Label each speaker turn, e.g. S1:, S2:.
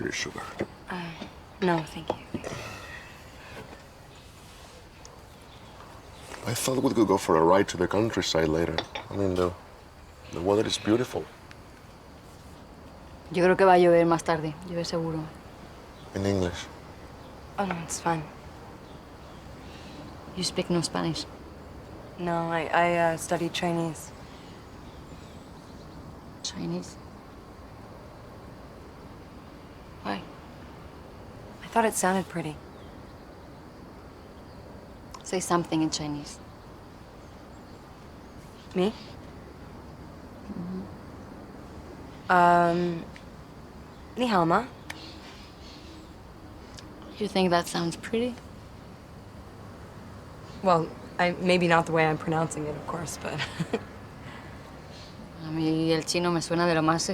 S1: please, sugar.
S2: No, thank you.
S1: I thought we could go for a ride to the countryside later. I mean, the weather is beautiful.
S3: Yo creo que va a llover más tarde, llueve seguro.
S1: In English.
S2: Oh, no, it's fine.
S3: You speak no Spanish.
S2: No, I studied Chinese.
S3: Chinese? Why?
S2: I thought it sounded pretty.
S3: Say something in Chinese.
S2: Me? Ni hao ma.
S3: You think that sounds pretty?
S2: Well, maybe not the way I'm pronouncing it, of course, but...
S3: A mí el chino me suena de lo más